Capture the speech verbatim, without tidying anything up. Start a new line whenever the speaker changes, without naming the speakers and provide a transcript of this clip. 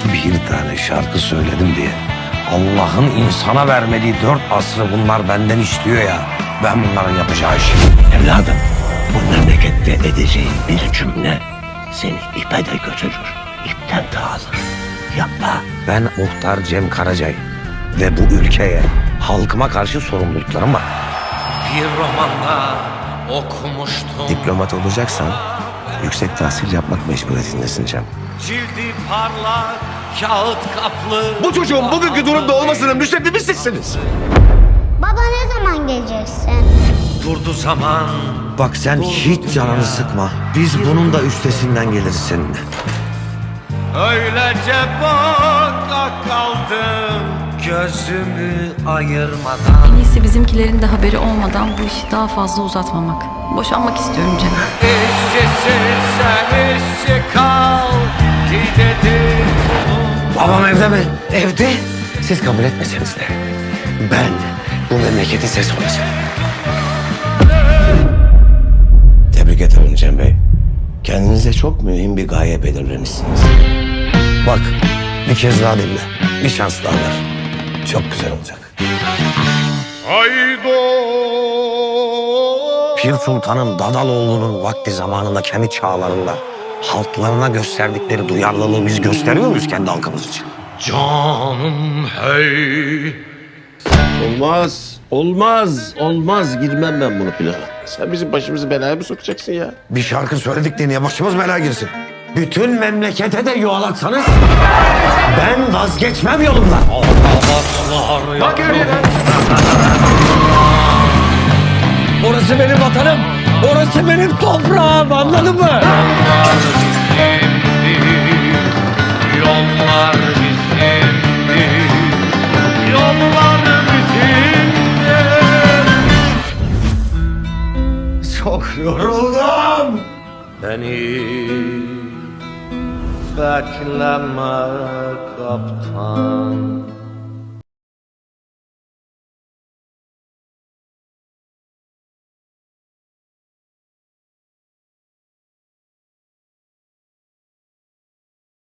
Bir tane şarkı söyledim diye Allah'ın insana vermediği dört asrı bunlar benden istiyor ya. Ben bunların yapacağı işi.
Evladım, bu memlekette edeceğin bir cümle seni ipe de götürür, ipten de alır. Yapma.
Ben muhtar Cem Karacay ve bu ülkeye, halkıma karşı sorumluluklarım var.
Bir romanda okumuştum.
Diplomat olacaksan yüksek tahsil yapmak mecburiyetindesin Cem.
Cildi parlak, kağıt kaplı.
Bu çocuğun bugünkü durumda olmasının müsebbibi sizsiniz.
Baba ne zaman geleceksin?
Durdu zaman.
Bak sen hiç canını sıkma. Biz bunun da üstesinden geliriz seninle.
Öylece baka kaldım, gözümü ayırmadan.
En iyisi bizimkilerin de haberi olmadan bu işi daha fazla uzatmamak. Boşanmak istiyorum Cem.
İşçisin sen, işçi kal ki dedim.
Babam evde mi? Evde. Siz kabul etmeseniz de ben bu memleketin sesi olacağım.
Tebrik ederim Cem Bey. Kendinize çok mühim bir gaye belirlemişsiniz.
Bak bir kez daha dinle. Bir şans daha ver. Çok güzel olacak. Pir Sultan'ın Dadaloğlu'nun vakti zamanında kendi çağlarında halklarına gösterdikleri duyarlılığı biz gösteriyor muyuz kendi halkımız için?
Canım hey.
Olmaz, olmaz, olmaz. Girmem ben bunu plana. Sen bizim başımızı belaya mı sokacaksın ya?
Bir şarkı söyledik diye niye başımız belaya girsin? Bütün memlekete de yuvalatsanız ben vazgeçmem yolumdan.
Bak
Orası benim vatanım. Orası benim toprağım, anladın mı?
Yollar bizimdi. Yollar bizimdi.
Çok yoruldum.
Beni bekleme kaptan.